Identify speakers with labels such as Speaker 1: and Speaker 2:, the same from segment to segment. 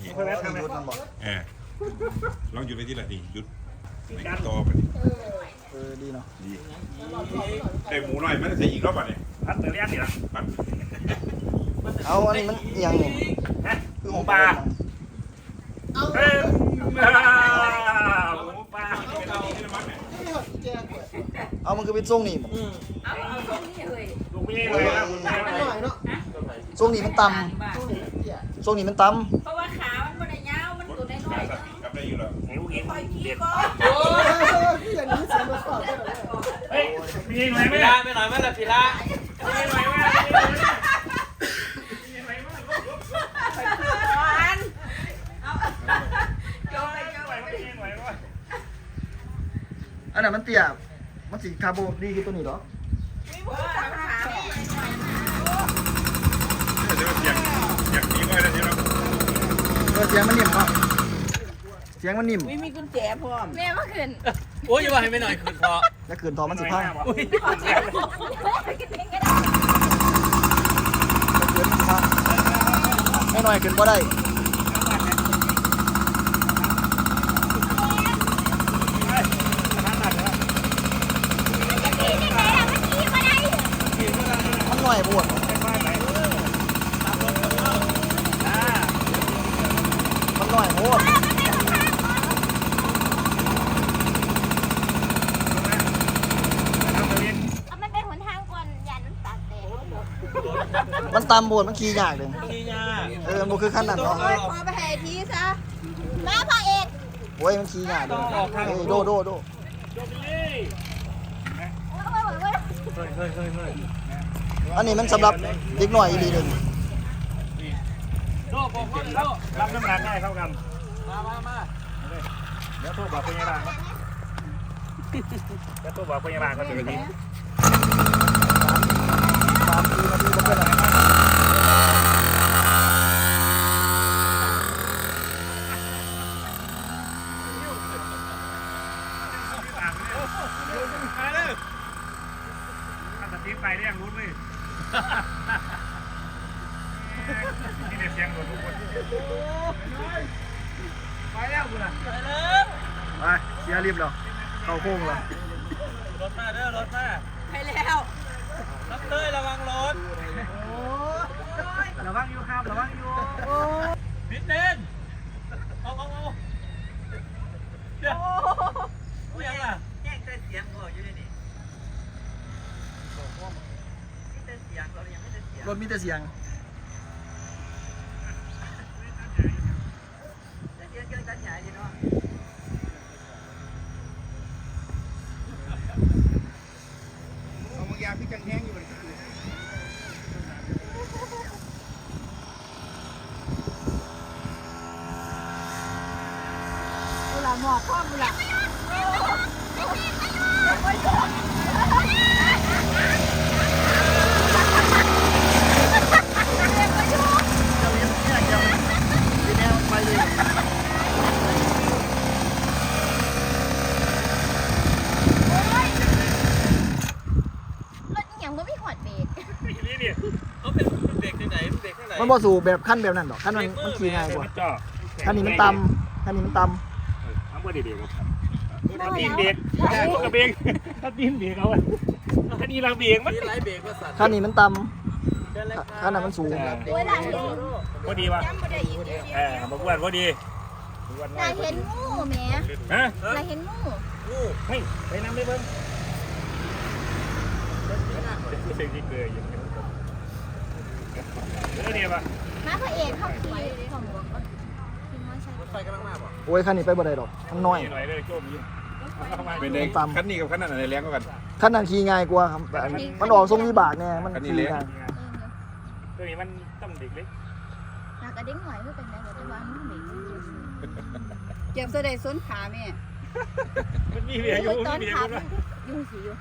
Speaker 1: ที
Speaker 2: เพื่อนทำไม
Speaker 1: ลองหยุดไปที่ละทีหยุดไม่ต่อไป
Speaker 3: ดีเนาะ
Speaker 1: ดีได้หมูหน่อยไม่ได้ใส่อีกรอบอ่ะเนี่ย
Speaker 2: พัดเตอร์เลียนนี่ล่ะ
Speaker 1: ปัด
Speaker 3: เอาอันนี้มันยังนี่
Speaker 2: ฮะ
Speaker 3: คือ
Speaker 2: ห
Speaker 3: ข
Speaker 2: มู
Speaker 3: อง
Speaker 2: ปลา
Speaker 3: ปลา
Speaker 2: หมูปลา
Speaker 3: เอามันคือเป็นทรงนี่
Speaker 4: เอาตรงนี้เลย
Speaker 2: ลูกพี่เลยนะคุณแม่
Speaker 3: ทรงนี่มันต่ำทรงนี่มันต่
Speaker 4: เพราะว่าขา มันบ่ได้ยาว มันตัวน้อย
Speaker 1: สติกับได้อยู่แล้ว
Speaker 2: ลูกเอง
Speaker 4: ๆคอยขี้
Speaker 2: เด็ด
Speaker 4: ก่อน
Speaker 2: เฮ้ยพี่หน่อยไหม
Speaker 5: พี
Speaker 2: ล่ะ
Speaker 5: ระไม่หน่อยไหมล่ะพีระ
Speaker 2: พี่หน่อยไหมล่ะ
Speaker 4: ก่อนเอาโยนเลย
Speaker 3: ำอันนั้นมันเตี้ยมันสีคาร์โบดีคือตัวนี้เหรอ
Speaker 4: มีบ่ขาขา
Speaker 1: เดี๋ยวเสียงนี้ก็ได้ที่เรา
Speaker 3: เสียงมันนิ่มเนาะเสียงมันนิ่ม
Speaker 4: มีกุญแจพร้อมแม่มาขึ้น
Speaker 5: โอ้ยอย่าว่าให้ไม่หน่อยคือพอ
Speaker 3: แล้วขืนทอมันสิพัง
Speaker 5: อุ้ย
Speaker 4: ขอเสียงกินเองก็ได้
Speaker 3: ขืนมันสิพังไม่หน่อยขืนก็ได้มันหน่อยบวชมันหน่อยโหด
Speaker 6: มันเป็นหนทางก่อนอย่าน้ำตาแตก
Speaker 3: มันตามบวชมันขี่ยากเลย
Speaker 5: พี่ยา
Speaker 3: มันคือขั้นนั้นเนาะ
Speaker 4: โอ้ยพอไปให้ทีซะ
Speaker 6: มาพ่อเอก
Speaker 3: โอ้ยมันขี่ยากเลยโดโดโด อันนี้มันสำหรับเด็กหน่อยอีหลีหนึ่ง
Speaker 5: โลกบอกว่าโลก
Speaker 2: รับน้ำหนักได้เท่ากัน
Speaker 5: มา
Speaker 2: เดี๋ยวโทรบอกพยาบาลเดี๋ยวโทรบอกพยาบาลเขาจะไปทิ้ง
Speaker 3: 3 นาทีมันเป็นอะไร
Speaker 2: ถ้าสติ๊กไปเรียกรู้ไหมนี่เสียงหมดทุกคนไปแล้วคุณอ่ะ
Speaker 3: ไปเสียรีบแล้วเข้าโค้งแล้ว
Speaker 5: รถมาเด้อรถมา
Speaker 4: ไปแล้ว
Speaker 5: รับเลยระวังรถ
Speaker 2: ระวังอยู่ครับระวังอยู่
Speaker 5: พิษเด่นเอาเดี๋ยวผู้ยังล่ะแย่งเสียงก่อนอยู่นี่มีเสียงเรายังไม่ได้เสียง
Speaker 3: รถมีแต่เสียง
Speaker 5: เสียงกันใหญ่ดีเนาะ
Speaker 2: เอามึงยาพี่จังแห้งอยู่เลย
Speaker 4: เวลาหมอกคว่ำเลย
Speaker 3: ทีนี้ไปเลย
Speaker 6: รถอย่างก็ไม่หอดเบรก
Speaker 2: นี่เนี่ย
Speaker 5: เขาเป็นเบรกที่ไหนเบรกที่ไหน
Speaker 3: มันบ่สู่แบบขั้นแบบนั้นหรอกขั้นมันขี่ง่ายกว่า
Speaker 2: จ่อ
Speaker 3: ขั้นนี้มันต่ำขั้นนี้มันต่
Speaker 2: ทำเบอร์ดีๆครับถ้าตีนเบรกกระเบงถ้าตีนเบรกเอาไว้ถ้าดีลังเบรกมัน
Speaker 5: มีไลท์เบรกว่าสั่น
Speaker 3: ำขั้นนี้มันต่ำขั้นนั้นมันสูง
Speaker 6: เวลาเห็น
Speaker 2: พอดีวะ
Speaker 4: จำไม่ได้อีก
Speaker 2: บอกว่าพอดี
Speaker 6: ลาเห็นงูแหม่
Speaker 2: ฮะ
Speaker 6: ลาเห็นงู
Speaker 2: เฮ้ยไปน้ำได้เบิ้งเสียงที่เกยอยู่เดี๋ยวป่ะ
Speaker 6: มาพ่อเอกเข้าขี่ของบอกว่าขี่มอไซค์
Speaker 5: รถไฟกำลังมาป่ะ
Speaker 3: โอ้ยขั้นนี้ไปบ่ได้ดอกมันน้อย
Speaker 2: หน่อยเลยโจมยิง
Speaker 1: เป็นเด็กขั้นนี้กับขั้นนั้นอะไรแรงกว่ากัน
Speaker 3: ขั้นนั้นขี่ง่ายกว่าครับแบบมันออกทรงวิบากเนี่ยมันขี่ง่าย
Speaker 2: ตัวนี้มันต้องเด็กเล็ก
Speaker 6: ลากระเด้งหน่อยเพื่อเป็นไงแต่ว่ามันเบรก
Speaker 4: เก็บเสด็จส้นขาแม่
Speaker 2: มันมีเบียร์อยู่
Speaker 6: ตอน
Speaker 2: มีเบีย
Speaker 6: ขับ
Speaker 2: ร์
Speaker 6: ยุ่งสิอยู่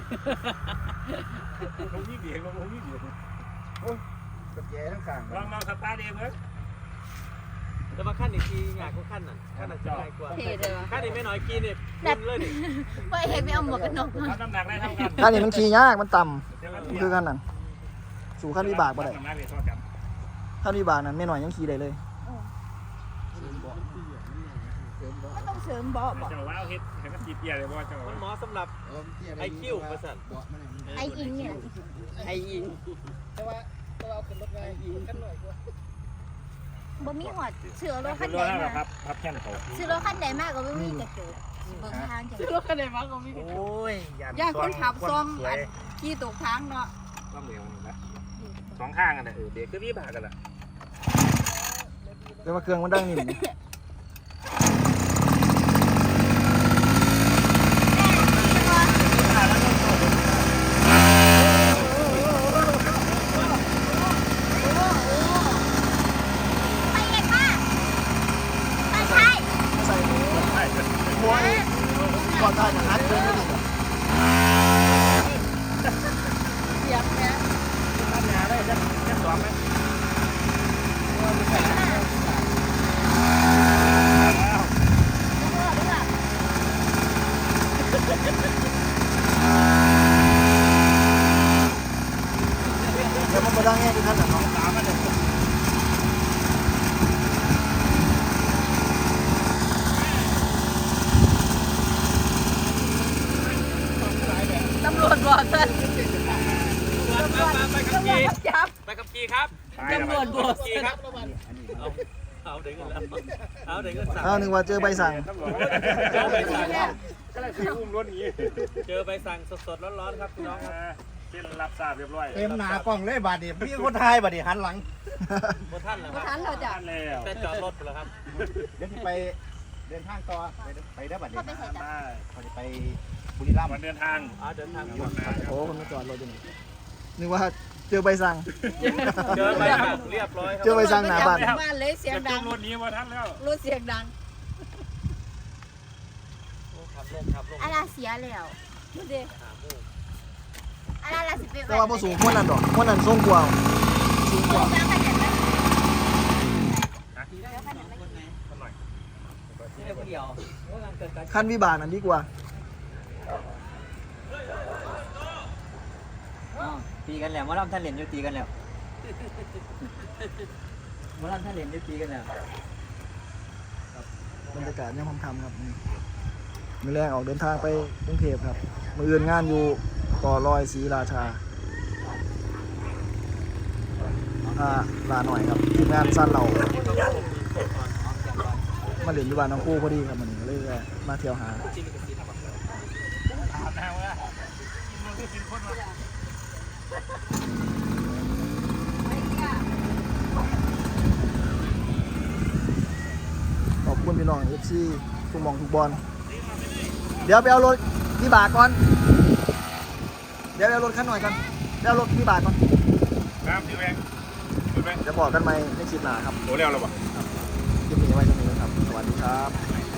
Speaker 2: ผมมีเบียร์ผมมีเบียร์
Speaker 3: กับแย่ทั้งข้าง
Speaker 2: ลองสตาร์ทเองเว้ย
Speaker 5: แต่ว่าขั้นอีกทีง่ายกว่าขั้นนั้นขั้นนั้นจะง่ายกว่า
Speaker 4: เท่เลยวะ
Speaker 5: ขั้นนี้ไม่น้อยกินเนี่ยคุณเลยดิ
Speaker 6: พ่อเอกไม่เอาหมวกกันน็อกมา
Speaker 2: รับน้ำหนักได้เท่ากัน
Speaker 3: ขั้นนี้มันขี่ยากมันต่ำมันคือขั้นนั้นสู่ขั้นวิบากบ่ได้
Speaker 2: น้ำหนักเท่ากัน
Speaker 3: ขั้นวิบากนั้นไม่หน่อยยังขี่ได้เลย
Speaker 4: ก็ต้องเสริมเบาะบ่
Speaker 2: เจ้าว่าเอาเฮ็ดให้มันตีเปียเลยบ่เจ้า
Speaker 5: มันเหมาะสำหรับไอคิวประสัน
Speaker 4: ไออิงเนี่ย
Speaker 5: ไออิง
Speaker 4: บ่มีหอดเสือรถคั
Speaker 2: เป็น
Speaker 4: น
Speaker 2: ร
Speaker 4: ใด
Speaker 2: ถแล้ว
Speaker 4: มา
Speaker 2: ครับพับแค่นเขา
Speaker 4: เสือรถคันใดมากก็บ่มีกระจกเบิ่งทางจัง
Speaker 2: โอ้ย
Speaker 4: ย่านคนขับซ่อมอันขี่ตกทางเนาะ
Speaker 2: ซ่อมเหลวนี่นะสองข้างกันน่ะเบรกคือพี่บากันล่ะ
Speaker 3: แต่ว่าเครื่องมันดังนิ่มนี่
Speaker 6: ไปเห็นป่ะไม่ใช่
Speaker 3: ใส่หัวก่อนได้อย่างนั้นเลยนี่
Speaker 4: เสียงแม่
Speaker 2: ตั้งงานได้แค่สองไหม
Speaker 3: แล้วมันมาดังแง่ที่ท่านน่ะเนาะ
Speaker 2: สามมันเลย
Speaker 4: ตำรวจบอกซั่น
Speaker 5: ไปขับ
Speaker 4: ตำรว
Speaker 5: ขี่
Speaker 4: จจับ
Speaker 5: ไปขับขี่ครับ
Speaker 2: ตำรวจบ
Speaker 5: ขับขี่ครับเอาเด็กเงินแล้วเอาเด็กเงินสั่ง
Speaker 3: อ้าวนึกว่าเจอใบสั่ง
Speaker 2: ตำรวจ
Speaker 5: เจอใบสั่ง
Speaker 2: ก็เลยคืออุ้มรถหนี
Speaker 5: เจอใบสั่งสดๆร้อนๆครับพี่น้องครับ
Speaker 2: เส้นรับทราบเรียบร้อย
Speaker 7: เต็มหนากล้องเลยบาดนี้พี่คนไทยบาดนี้หันหลัง
Speaker 5: บนท่านเหรอ
Speaker 4: บ่
Speaker 5: ค
Speaker 4: ทั
Speaker 5: รับ
Speaker 4: นเราจ้ะ
Speaker 2: ท่านแล้ว
Speaker 5: แต่จอดรถไปแล้วครับ
Speaker 7: เดี๋ยวที่ไปเดินทางต่อไปได้บัดนี้
Speaker 6: เขาไปใส่จับ
Speaker 2: ได้
Speaker 7: เขาจะไปบุรีรัมย์
Speaker 2: วันเดินทาง
Speaker 5: เดินทาง
Speaker 2: หมดนะ
Speaker 3: โอ้คนมาจอดรถอยู่นี่นึกว่าเจอใบสั่ง
Speaker 5: เจอใบสั่งเรียบร้อยครั
Speaker 3: เจอใบสั่งหน้าบ้าน
Speaker 4: บ้านเลยเสียง
Speaker 2: จะ
Speaker 4: ดั
Speaker 2: จุ
Speaker 4: ง
Speaker 2: รถนี้มาทันแล้ว
Speaker 4: รถเสียงดัง
Speaker 5: ขับลงขับลง
Speaker 6: อะไรเสียแล้ว
Speaker 4: ดูดิ
Speaker 6: อะไรล่ะสิเป็น
Speaker 3: แต่ว่าพอสูงคนนั้นดอกคนนั้นทรงกว่าสูงกว่า
Speaker 6: แล้วขยันไหม
Speaker 3: ขั้นวิบากนั้นดีกว่า
Speaker 7: ตีกันแล้วมาล่ำท่านเหรียญอยู่ตีกันแล้วมาล่ำท่านเหรียญอยู่ตีกันแล้ว
Speaker 3: บรรยากาศยังค่ำๆครับนี่มื้อแรกออกเดินทางไปกรุงเทพครับมื้ออื่นงานอยู่ก่อลอยศรีราชาลาหน่อยครับทีมงานสั้นเรามาเล่นอยู่บ้านน้องคู่พอดีครับมันก็เลยมาเที่ยวหา
Speaker 2: ถามนะว่ามันคือสินคนวะ
Speaker 3: ขอบคุณพี่น้อง FC ทุกหมองทุกบอลเดี๋ยวไปเอารถวิบากก่อนเดี๋ยวไปเอารถคันหน่อยก่อนเดี๋ยวเอารถวิบากก่อน
Speaker 1: น้ำที่แรงดูไหม
Speaker 3: จะบอกกันไหมในคลิปหน้าครับ
Speaker 1: โอ้แล้วหรอวะ
Speaker 3: คลิปนี้ไว้ตรงนี้ครับ สวัสดีครับ